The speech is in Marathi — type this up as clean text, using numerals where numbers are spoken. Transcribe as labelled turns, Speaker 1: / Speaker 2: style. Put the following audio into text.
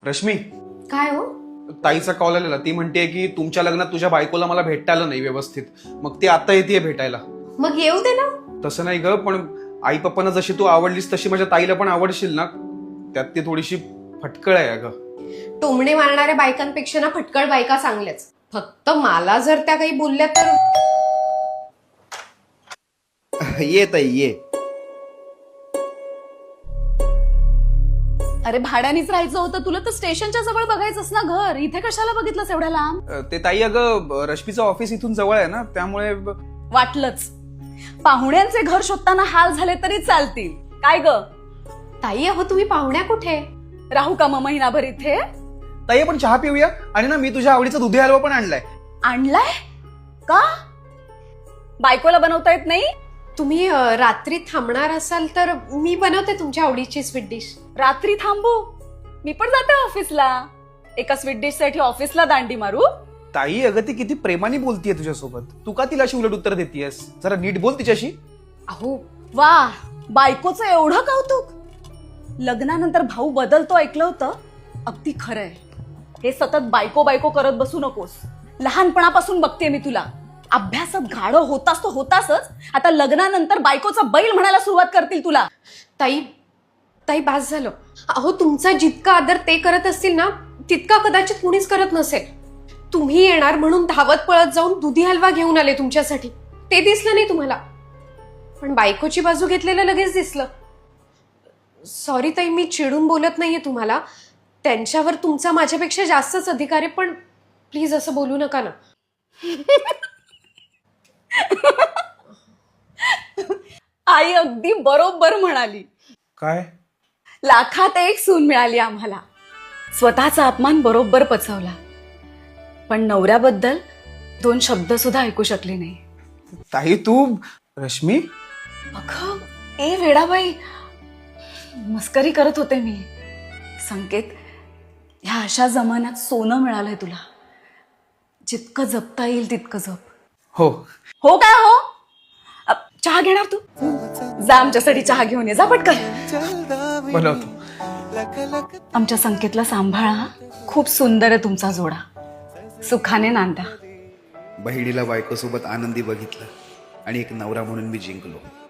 Speaker 1: रश्मी,
Speaker 2: काय हो?
Speaker 1: ताईचा कॉल आलेला. ती म्हणते की तुमच्या लग्नात तुझ्या बायकोला मला भेटता आलं नाही व्यवस्थित, मग ती आता येते भेटायला.
Speaker 2: मग येऊ दे ना.
Speaker 1: तसं नाही ग, पण आई पप्पांना जशी तू आवडलीस तशी माझ्या ताईला पण आवडशील ना. त्यात ती थोडीशी फटकळ आहे अगं.
Speaker 2: टोमणे मारणाऱ्या बायकांपेक्षा ना फटकळ बायका चांगल्याच. फक्त मला जर त्या काही बोलल्या तर
Speaker 3: ये ताई ये.
Speaker 4: अरे भाड्यानेच राहायचं होतं तुला तर स्टेशनच्या जवळ बघायचंस ना घर. इथे कशाला बघितलंस एवढ्या लांब?
Speaker 1: ते ताई अगं, रश्मीचं ऑफिस इथून जवळ आहे ना, त्यामुळे
Speaker 4: वाटलंच. पाहुण्यांचे घर शोधताना हाल झाले तरी चालतील. काय ग
Speaker 2: ताई, अहो तुम्ही पाहुण्या कुठे?
Speaker 4: राहू का मग महिनाभर इथे?
Speaker 1: ताई आपण चहा पिऊया. आणि ना, मी तुझ्या आवडीचा दुधी हलवा पण आणलाय.
Speaker 4: आणलाय का? बायकोला बनवता येत नाही?
Speaker 2: तुम्ही रात्री थांबणार असाल तर मी बनवते तुमच्या आवडीची स्वीट डिश.
Speaker 4: रात्री थांबू? मी पण जाते ऑफिसला. एका स्वीट डिश साठी ऑफिसला दांडी मारू?
Speaker 1: ताई अगं, ती किती प्रेमाने बोलतीये तुझ्यासोबत. तू का तिला अशी उलट उत्तर देतेयस? जरा नीट बोल तिच्याशी.
Speaker 2: अहो
Speaker 4: वा, बायकोचं एवढं कौतुक. लग्नानंतर भाऊ बदलतो ऐकलं होतं. अगदी खरंय. हे सतत बायको बायको करत बसू नकोस. लहानपणापासून बघते मी तुला. अभ्यासात गाढव होतास तो होतासच. आता लग्नानंतर बायकोचा बैल म्हणायला सुरुवात करतील तुला.
Speaker 2: ताई, ताई बास झालं. अहो तुमचा जितका आदर ते करत असतील ना, तितका कदाचित कुणीच करत नसेल. तुम्ही येणार म्हणून धावत पळत जाऊन दुधी हलवा घेऊन आले तुमच्यासाठी. ते दिसलं नाही तुम्हाला, पण बायकोची बाजू घेतलेलं लगेच दिसलं. सॉरी ताई, मी चिडून बोलत नाहीये तुम्हाला. त्यांच्यावर तुमचा माझ्यापेक्षा जास्तच अधिकार आहे, पण प्लीज असं बोलू नका ना.
Speaker 4: आई अगदी बरोबर म्हणाली.
Speaker 1: काय?
Speaker 4: लाखात एक सून मिळाली आम्हाला. स्वतःचा अपमान बरोबर पचवला, पण नवऱ्याबद्दल 2 शब्द सुद्धा ऐकू शकले नाही.
Speaker 1: ताई तू. रश्मी,
Speaker 4: अगं ए वेडाबाई, मस्करी करत होते मी. संकेत, ह्या अशा जमान्यात सोनं मिळालंय तुला. जितकं जपता येईल तितकं जप.
Speaker 1: हो
Speaker 4: हो काय हो? चहा घेणार तू? जा आमच्यासाठी चहा घेऊन ये. जा पटकन.
Speaker 1: बनवतो.
Speaker 4: आमच्या संकेतला सांभाळा. खूप सुंदर आहे तुमचा जोडा. सुखाने नांदा.
Speaker 3: बहिणीला बायकोसोबत आनंदी बघितलं आणि एक नवरा म्हणून मी जिंकलो.